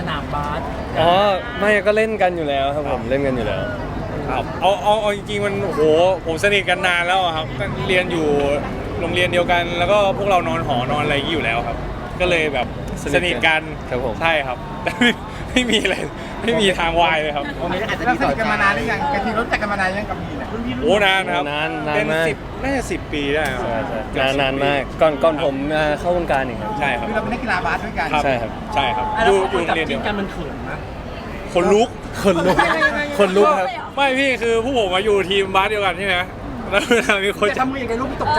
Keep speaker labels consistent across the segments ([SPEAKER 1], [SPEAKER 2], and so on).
[SPEAKER 1] นามบาส
[SPEAKER 2] อ๋อไม่ก็เล่นกันอยู่แล้วครับผมเล่นกันอยู่แล้ว
[SPEAKER 3] ครับเอาจริงๆมันโหผมสนิทกันนานแล้วครับเรียนอยู่โรงเรียนเดียวกัน แล้วก็พวกเรานอนหอนอนอะไรอยู่แล้วครับ ก็เลยแบบสนิทกัน
[SPEAKER 2] ครับผม
[SPEAKER 3] ใช่ครับแต่ไม่มีอะไรไม่มีทางวายเลยครับ
[SPEAKER 1] อาจจะ
[SPEAKER 4] เรา
[SPEAKER 1] มี
[SPEAKER 4] สนิทกันมานานหรือยังกะทิรู้จักกันมานานยังกับมีน
[SPEAKER 1] รุ่นพี่รุ่น
[SPEAKER 3] โอ้นานครับ
[SPEAKER 2] นาน
[SPEAKER 3] เป็น
[SPEAKER 2] มาก
[SPEAKER 3] 10น่าจะ10 ปีได้ครับ
[SPEAKER 2] ใช่นานมากก่อนผมเข้าวงการอีกครับ
[SPEAKER 3] ใช่ครับ
[SPEAKER 4] คือเราเป็นนักกีฬาบาสด้วยกัน
[SPEAKER 2] ใช่ครับ
[SPEAKER 3] ใช่ครับ
[SPEAKER 1] แล้ว
[SPEAKER 3] อยู่
[SPEAKER 1] กับ
[SPEAKER 3] โรงเรียนเดี
[SPEAKER 1] จิ้
[SPEAKER 3] ย
[SPEAKER 1] น
[SPEAKER 3] ว
[SPEAKER 1] กันมันเขินนะ
[SPEAKER 3] คนลุก
[SPEAKER 2] คนลุกครับ
[SPEAKER 3] ไม่พี่คือผู้ผมมาอยู่ทีมบาสเดียวกันใช่ไหมแล้วเวลามีคน
[SPEAKER 1] จะทำมือยังไงลูกไม่ตกใจ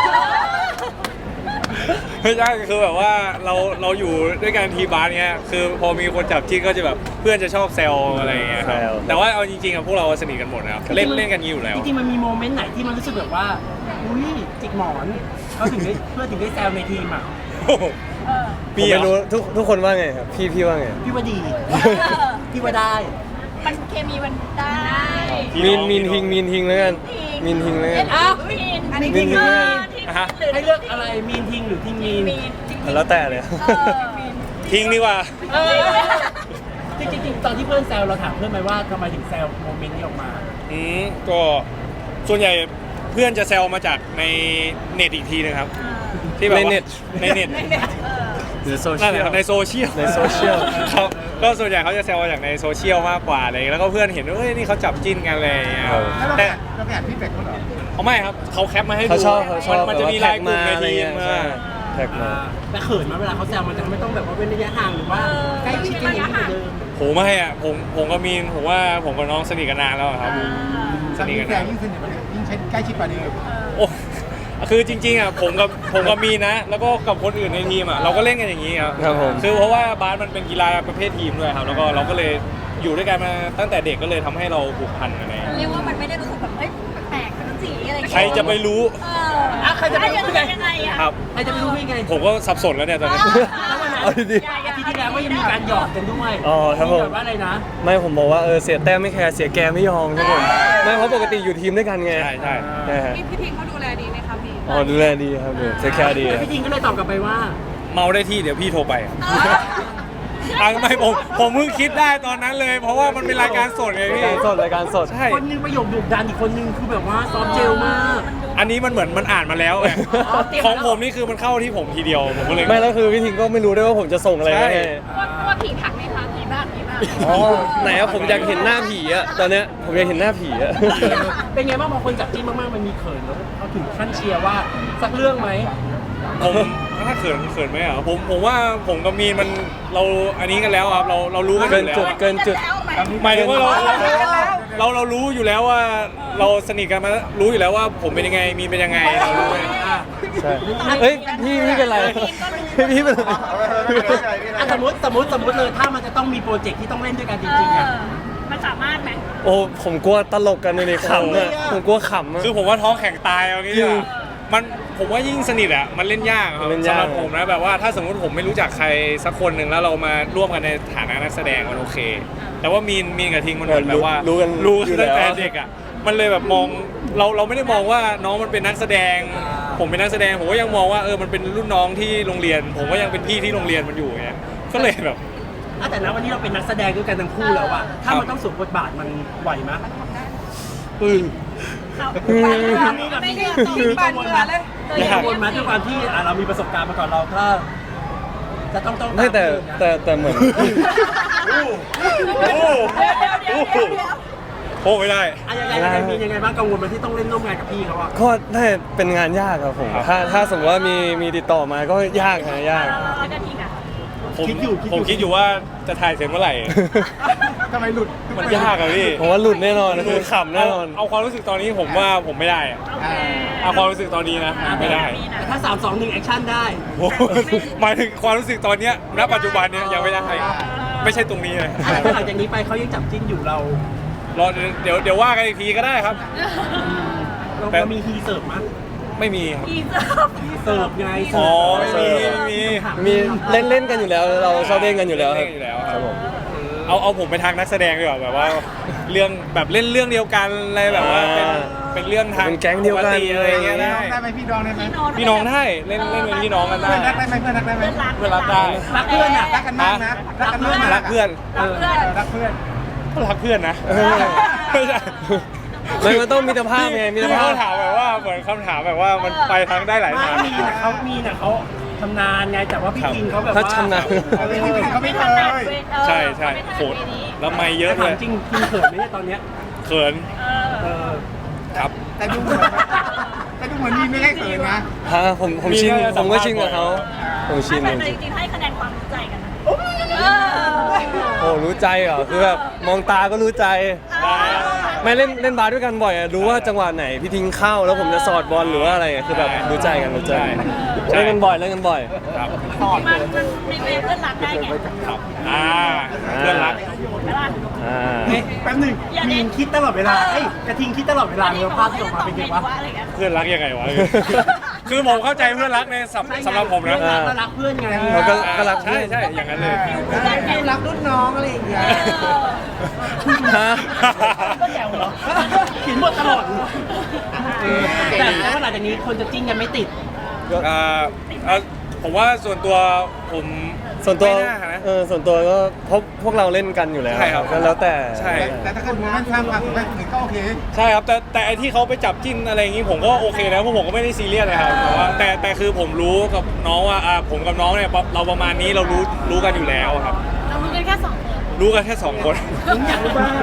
[SPEAKER 3] ไม่ใช่คือแบบว่าเราอยู่ด้วยกันทีมบาสเนี้ยคือพอมีคนจับจิ้นก็จะแบบเพื่อนจะชอบแซวอะไรอย่างเงี้ยครับ
[SPEAKER 2] แซว
[SPEAKER 3] แต่ว่าเอาจริงๆอะพวกเราสนิทกันหมดนะครับเล่นกันอยู่แล้ว
[SPEAKER 1] จริงๆมันมีโมเมนต์ไหนที่มันรู้สึกแบบว่าอุ้ยจิกหมอนเขาถึงได้เพื่อนถึงได้แซวในทีมอ่ะ
[SPEAKER 2] ผมไม่รู้ทุกคนว่าไงครับพี่ว่าไง
[SPEAKER 1] พี่ว่าดี พี่ว่าได้
[SPEAKER 5] มันเคมีมันได้
[SPEAKER 2] มีนทิงแล้วกันมีนทิงแล้วกัน
[SPEAKER 5] อ้าวมีนอันนี้
[SPEAKER 2] มีน
[SPEAKER 1] ให้เลือกอะไรมีนทิงหรือทิงมีน
[SPEAKER 5] มีนจริงๆ
[SPEAKER 2] แล้วแต่เลย
[SPEAKER 3] ทิ้งดีกว่า
[SPEAKER 1] จริงๆตอนที่เพื่อนแซวเราถามเพื่อนไหมว่าทำไมถึงแซวโมเมนต์นี้ออกมา
[SPEAKER 3] ก็ส่วนใหญ่เพื่อนจะแซวมาจากในเน็ตอีกทีนึงครับที่แบบว่าในเน็ต
[SPEAKER 2] หรือโซเชี
[SPEAKER 3] นั่น
[SPEAKER 2] ย
[SPEAKER 3] แหละ
[SPEAKER 2] ล
[SPEAKER 3] ในโซเชียล
[SPEAKER 2] ในโซเชียล
[SPEAKER 3] ครับก็ส่วนใหญ่เขาจะแซวมาจากในโซเชียลมากกว่าอะไรแล้วก็เพื่อนเห็นว่าเฮ้ยนี่เขาจับจิ้นกันอะไรอย่างเงี้ยครับ
[SPEAKER 4] แล้วเรา
[SPEAKER 3] แต่
[SPEAKER 4] ไปอ่านพี่เป็กเขาเหรอ
[SPEAKER 3] เอาไม่ครับเขาแคปมาให้ดู
[SPEAKER 2] เขาชอบ
[SPEAKER 3] มันจะมีไลน์กลุ่มในทีม
[SPEAKER 2] ใช่แท็กมา
[SPEAKER 1] แต่เขินมาเวลาเขาแซวมันจะไม่ต้องแบบว่าเว้นระยะห่างหรือว่าใกล้ชิดกันอย่างนี้เหมือนเดิม
[SPEAKER 3] ผมไม่อะผมกับมีนผมว่าผมกับน้องสนิทกันนานแล้วอะครับสนิทกัน
[SPEAKER 4] แซ
[SPEAKER 3] นาน
[SPEAKER 4] ยิ่งสนิทกว่าเดิมยิ่งใกล้ชิดกว่าเดิม
[SPEAKER 3] โอ้คือจริงๆอะผมกับมีนนะ แล้วก็กับคนอื่นในทีมอะเราก็เล่นกันอย่างนี้ครับ
[SPEAKER 2] ครับผม
[SPEAKER 3] คือเพราะว่าบาสมันเป็นกีฬาประเภททีมด้วยครับแล้วก็เราก็เลยอยู่ด้วยกันมาตั้งแต่เด็กก็เลยทำให้เราผูกพันกันเลย
[SPEAKER 5] เรียกว่ามันไม่ได้รู้สึกแบบเฮ้ยแปลกๆเป็นสีอะไรอย่าง
[SPEAKER 3] ใคร
[SPEAKER 5] เงี้ย
[SPEAKER 3] จะไปรู้
[SPEAKER 1] ใครจะไปรู้
[SPEAKER 5] ยังไงอะ
[SPEAKER 3] ครับ
[SPEAKER 1] ใครจะไปรู้ยังไง
[SPEAKER 3] ผมก็สับสนแล้วเนี่ยตอนนี้
[SPEAKER 1] แล้ววันนั้น
[SPEAKER 2] เอาดี
[SPEAKER 1] อาทิตย์ที่แล้วก็ยังมีการหยอกกันด้วย
[SPEAKER 2] อ๋อครับผม
[SPEAKER 1] แบบว่าอะไรนะ
[SPEAKER 2] ไม่ผมบอกว่าเสียแต้มไม่แคร์เสียแกไม่ยอมครับผมไม่เพราะปกติอยู่ทีมด้วยกันไง
[SPEAKER 3] ใช่
[SPEAKER 2] ใช่ฮะ
[SPEAKER 5] พี่พิงเขาดูแลดีไหมครับพี่
[SPEAKER 2] อ๋อดูแลดีครับเสียแคร์ดีครับ
[SPEAKER 1] พี่ทิงก็เลยตอบกลับไปว่า
[SPEAKER 3] เมาได้ที่เดี๋ยวพี่โทรไปไม่ผมเพิ่งคิดได้ตอนนั้นเลย เพราะว่ามันเป็นรายการสดไง
[SPEAKER 2] ราย
[SPEAKER 3] พี่
[SPEAKER 2] การสดรายการสด
[SPEAKER 3] ใช่
[SPEAKER 1] คนหนึงประโยคดุดันอีกคนหนึงคือแบบว่าซอฟต์เจลมาก
[SPEAKER 3] อันนี้มันเหมือนมันอ่านมาแล้วไง
[SPEAKER 1] อ๋อเตรียม
[SPEAKER 3] ของ
[SPEAKER 1] มาแล้ว
[SPEAKER 3] ผมนี่คือมันเข้าที่ผมทีเดียวผมก็เลย
[SPEAKER 2] ไม่แล้วคือพี่ทิงก็ไม่รู้ด้วยว่าผมจะส่งอะไรมาให้
[SPEAKER 5] ว่าผีถักไหมคะผีบ้านผีบ้าน
[SPEAKER 2] อ๋อไหนอะผมอยากเห็นหน้าผีอะตอนเนี้ยผมอยากเห็นหน้าผีอะ
[SPEAKER 1] เป็นไงบ้างพอคนจับจิ้นมากๆมันมีเขินแล้วเขาถึงขั้นเชียร์ว่าสักเรื่องไหม
[SPEAKER 3] ผมถ้าเขินไหมอ่ะผมว่าผมกับมีนมันเราอันนี้กันแล้วครับเรารู้กันอยู่แล้ว
[SPEAKER 2] เกินจุด
[SPEAKER 3] หมายถึงว่าเรารู้อยู่แล้วว่าเราสนิทกันมารู้อยู่แล้วว่าผมเป็นยังไงมีนเป็นยังไงเรารู้
[SPEAKER 2] ใช่เฮ้ยพี่เป็นไรพี่เป็นไร
[SPEAKER 1] อ่ะสมมติเลยถ้ามันจะต้องมีโปรเจกต์ที่ต้องเล่นด้วยกันจริงๆอ่ะ
[SPEAKER 5] มันสามารถไหม
[SPEAKER 2] โอ้ผมกลัวตลกกันเลยขำอะผมกลัวขำอะ
[SPEAKER 3] คือผมว่าท้องแข็งตายเอางี้ดีกว่าผมว่ายิ่งสนิทอ่ะมันเล่นยากครับ
[SPEAKER 2] เล่นยาก
[SPEAKER 3] สำหรับผมนะแบบว่าถ้าสมมติผมไม่รู้จักใครสักคนหนึ่งแล้วเรามาร่วมกันในฐานะนักแสดงมันโอเค แต่ว่ามีนกับทิงมันเหมือนแบบว่า
[SPEAKER 2] รู้
[SPEAKER 3] คือตั้งแต่เด็กอ่ะมันเลยแบบมองเราไม่ได้มองว่าน้องมันเป็นนักแสดง ผมเป็นนักแสดงผมก็ยังมองว่ามันเป็นรุ่นน้องที่โรงเรียน ผมก็ยังเป็นพี่ที่โรงเรียนมันอยู่ไงก็เลยแบบ
[SPEAKER 1] แต่ณวันนี้เราเป็นนักแสดงด้วยกันทั้งคู่แล้วอะถ้ามันต้องสวมบทบาทมันไหวไหม
[SPEAKER 5] ไม่ได้ต้องปั่นเหงื่อเลย
[SPEAKER 1] มีกังวลไหมด้วยความที่เรามีประสบการณ์มาก่อนเราถ้าจะต้อง
[SPEAKER 2] ไม่แต่เหมือน
[SPEAKER 3] โอ้ไม่ได้
[SPEAKER 1] ยังไงมียังไงบ้างกังวลไหมที่ต้องเล่นร่วมงานกับพี่เขาอะ
[SPEAKER 2] ก็ได้เป็นงานยากครับผมถ้าสมมติว่ามีติดต่อมาก็ยากนะยาก
[SPEAKER 5] แล้วก็ทีค่ะ
[SPEAKER 3] ผมคิดอยู่ว่าจะถ่ายเสร็จเมื่อไหร่
[SPEAKER 4] ทำไมหลุด
[SPEAKER 3] มันยากอะพี่
[SPEAKER 2] ผมว่าหลุดแน่นอนคือขำแน่นอน
[SPEAKER 3] เอาความรู้สึกตอนนี้ผมว่าผมไม่ได้อะเอาความรู้สึกตอนนี้นะไม่ได้
[SPEAKER 1] แต่ถ้า3 2 1แอคชั่นได้
[SPEAKER 3] โอ้โหหมายถึงความรู้สึกตอนเนี้ยณปัจจุบันเนี้ยยังไม่ได้ไม่ใช่ตรงนี้เลย
[SPEAKER 1] ถ้าหลังจากนี้ไปเขายังจับจิ้นอยู่เรา
[SPEAKER 3] รอเดี๋ยวว่ากันอีกทีก็ได้ครับ
[SPEAKER 1] เรามีฮีเสิร์ฟมั้ย
[SPEAKER 3] ไม่มีครับ
[SPEAKER 5] อีเซิร์ฟ
[SPEAKER 1] เสิร์ฟไง
[SPEAKER 3] อ๋อไม่มี
[SPEAKER 2] มีเล่นกันอยู่แล้วเราชอบเล่นกันอยู่แล้วค
[SPEAKER 3] เล่
[SPEAKER 2] รับ
[SPEAKER 3] นอยู่แล้วค
[SPEAKER 2] ค
[SPEAKER 3] รั
[SPEAKER 2] รั
[SPEAKER 3] บบ
[SPEAKER 2] ผม
[SPEAKER 3] เอาผมไปทางนักแสดงดีกว่าแบบว่าเรื่องแบบเล่นเรื่องเดียวกันอะไรแบบว่าเป็นเรื่องทาง
[SPEAKER 2] เป็นแก๊งเดียวกัน
[SPEAKER 3] ปติอะไรอย่างเงี้ย
[SPEAKER 4] พี่
[SPEAKER 3] ได้
[SPEAKER 4] น้องได้ไหมพี่น้องได้ไหม
[SPEAKER 3] พี่น้องได้เล่นเป็นพี่น้องกันได้
[SPEAKER 4] เพื่อนรักได้ไหมเพื่อนรักได้ไหม
[SPEAKER 3] เพื่อนรักได้
[SPEAKER 1] รักเพื่อนอ่ะ
[SPEAKER 4] รักกันมากนะรักกันมาก
[SPEAKER 3] รักเพื่อน
[SPEAKER 4] รักเพื่อน
[SPEAKER 3] ก็รักเพื่อนนะ
[SPEAKER 2] เออ
[SPEAKER 3] ไม่ใช่
[SPEAKER 2] มันต้องมิตรภาพไงมิตร
[SPEAKER 3] พี่
[SPEAKER 2] ภาพ
[SPEAKER 3] เขาถามแบบว่าเหมือนคำถามแบบว่ามันไปทางได้หลาย
[SPEAKER 1] ไม่
[SPEAKER 3] ทาง
[SPEAKER 1] มีนะเขาชำนาญไงแต่ว่าพี่คิงเขาแบบ
[SPEAKER 2] ถ้า
[SPEAKER 1] ว่า
[SPEAKER 2] ชำนาญ
[SPEAKER 4] เขาไม่เคย
[SPEAKER 3] ใช่ใช่โหดแล้วไม่เยอะ
[SPEAKER 1] ถา
[SPEAKER 3] เล
[SPEAKER 1] ม
[SPEAKER 3] ย
[SPEAKER 1] จริงคิงเขินไหมเนี่ยตอนเนี้ย
[SPEAKER 3] เขิน
[SPEAKER 1] เออ
[SPEAKER 3] ครับ
[SPEAKER 4] แต่ดูเหมือนมีไม่ได้เขินนะ
[SPEAKER 2] ฮะผมชิน
[SPEAKER 3] มีแค่
[SPEAKER 2] ผมก็
[SPEAKER 3] สัมภาษณ์
[SPEAKER 2] ชินกับเขาผมชิน
[SPEAKER 5] แต่จริงๆให้คะแนนความรู้ใจกันนะ
[SPEAKER 2] โอ้รู้ใจเหรอคือแบบมองตาก็รู้ใจ
[SPEAKER 3] ได้
[SPEAKER 2] ไม่เล่นบาสด้วยกันบ่อยอะรู้ว่าจังหวะไหนพี่ทิ้งเข้าแล้วผมจะสอดบอลหรือว่าอะไรอะคือแบบรู้ใจกันรู้ใจเล่นกันบ่อยเล่นกันบ่อย
[SPEAKER 3] ครับ
[SPEAKER 5] มันมีเพื่อนรักได้ไง
[SPEAKER 3] ครับเพื่อนรัก
[SPEAKER 5] ใช่ป่ะ
[SPEAKER 2] อ่า
[SPEAKER 1] เฮ้ยแป๊บหนึง
[SPEAKER 5] อย่าเน้
[SPEAKER 1] คิ
[SPEAKER 5] น
[SPEAKER 1] งคิดตลอดเวลาเอ้ยกระทิงคิดตลอดเวลาเมื่อภาพที่ออกมาเป็นไงวะ
[SPEAKER 5] อะไรเงี้ย
[SPEAKER 3] เพื่อนรักยังไงวะ คือผมเข้าใจเพื่อนรักในสำหรับผมนะ
[SPEAKER 1] เพื่อนรักก็รักเพื่อนไง
[SPEAKER 2] เราก็รัก
[SPEAKER 3] ใช่ใช่อย่างนั้นเลย
[SPEAKER 1] ฟิลรักรุ่นน้องอะไรอย่างเงี้ย
[SPEAKER 2] ฮะ
[SPEAKER 1] ก็แจ๋วเหรอเขียนบทตลอดแต่ว่าหลังจากนี้คนจะจิ้นกันไม่ติด
[SPEAKER 3] ผมว่าส่วนตัวผม
[SPEAKER 2] ส่วนตัว
[SPEAKER 3] ไม่น่านะ
[SPEAKER 2] ส่วนตัวก็เพราะพวกเราเล่นกันอยู่แล้ว
[SPEAKER 3] ใช่ครับ
[SPEAKER 2] ก็แล้วแต่
[SPEAKER 3] ใช่
[SPEAKER 4] แต่ถ้าเกิดมันสร้างความสุขให้คนอื่นก็โอเค
[SPEAKER 3] ใช่ครับแต่ไอที่เขาไปจับจิ้นอะไรอย่างงี้ผมก็โอเคนะเพราะผมก็ไม่ได้ซีเรียสนะครับแต่ว่าแต่คือผมรู้กับน้องว่าผมกับน้องเนี่ยเราประมาณนี้เรารู้กันอยู่แล้วครับ
[SPEAKER 5] เรารู้กันแค่2 คน
[SPEAKER 3] รู้กันแค่2 คน
[SPEAKER 1] ผมอยากรู้บ้าง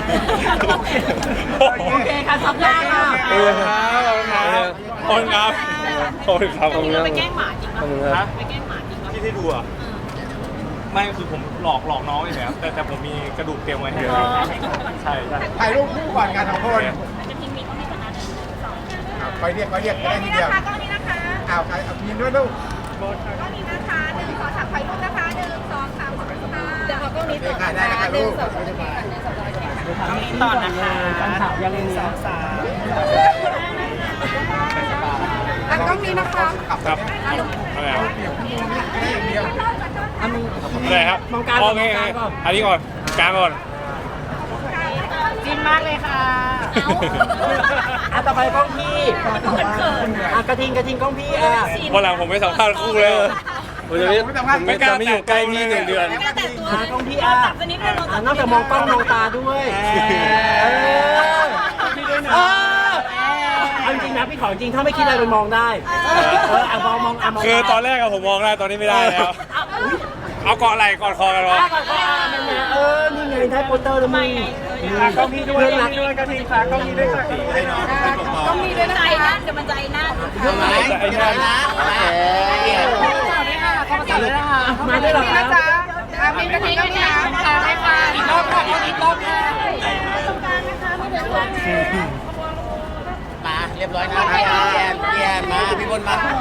[SPEAKER 1] โอเคค่ะสัปดาห์ค่ะ
[SPEAKER 2] เออ
[SPEAKER 3] ขอบคุณครับขอบคุณครับขอบคุณครับ
[SPEAKER 5] เราไปแกล้งหมาจริง
[SPEAKER 2] ขอบคุณ
[SPEAKER 5] ป่ะ
[SPEAKER 2] ครับ
[SPEAKER 5] ไปแกล้งหมาจริงป่ะ
[SPEAKER 3] ที่ได้ดูอ่ะไม่คือผมหลอกน้องอย่างเงี้ยแต่ผมมีกระดูกเตรียมไว้ให้ใช่ใช่
[SPEAKER 4] ถ่ายรูปคู่ก่อนกัน2 คน
[SPEAKER 5] จะทิ้งมีต้องมีขนาด1 2
[SPEAKER 4] คอยเรียกได้ทีเดียว
[SPEAKER 5] กล้องนี้นะคะ
[SPEAKER 4] เอายินด้วยลูก
[SPEAKER 5] กล้องนี้นะคะ1 2 3ถ่ายรูปนะคะ1 2 3ขอบคุณค่ะเดี๋ยวขอกล้องนี้ต่อ
[SPEAKER 4] ได้นะคะลูก
[SPEAKER 1] ต่อนะคะการข่าวยังมีสองสาม
[SPEAKER 5] กล้องนี้นะคะ
[SPEAKER 3] ครับอะไรครับ
[SPEAKER 1] อันนี้
[SPEAKER 3] อะไรครับ
[SPEAKER 1] มองการ
[SPEAKER 3] โอ
[SPEAKER 1] ก่อน
[SPEAKER 3] เค
[SPEAKER 1] มองการก่อน
[SPEAKER 3] อันนี้ก่อนกลางก่อน
[SPEAKER 5] จิ้มมากเลยค่ะ
[SPEAKER 1] ต่อไปกล้องพี่กระทิงกล้องพี่
[SPEAKER 3] วันหลังผมไม่สัมภาษณ์คู่เลย
[SPEAKER 2] ผมจะไม่อยู่ใกล้พี่1 เดือน
[SPEAKER 5] ไม่แต่ตัว
[SPEAKER 1] กล้องพี่
[SPEAKER 5] จับตัวนี้เลยเรา
[SPEAKER 1] นอกจากมองกล้องมองตาด้วยพี่ด้วยนะเอาจริงนะพี่ขอจริงถ้าไม่คิดอะไรไปมองได้มองมอง
[SPEAKER 3] คือตอนแรกอะผมมองได้ตอนนี้ไม่ได้แล้ว เอาเกาะไหล่กอดคอกันวะ
[SPEAKER 1] นี่ไงได้โปสเตอร์แล้วมึงกล้องพี่ด้วยกระทิงค่ะกล้องพี่ด้วยค่ะ
[SPEAKER 5] ต้องมีด้วยใจนะเดี๋ยวมันใจนะ
[SPEAKER 3] แต่ไอ้เนี่ย
[SPEAKER 1] มาด้วยเหรอคะ
[SPEAKER 5] มีกระทิงด้วยนะค่ะไม่ค่ะอีกรอบค่ะอีกรอบค่ะตรงกลางนะคะไม่เดือดร้อน
[SPEAKER 4] มาเรียบร้อยนะพี่แอนมาพี่บนมา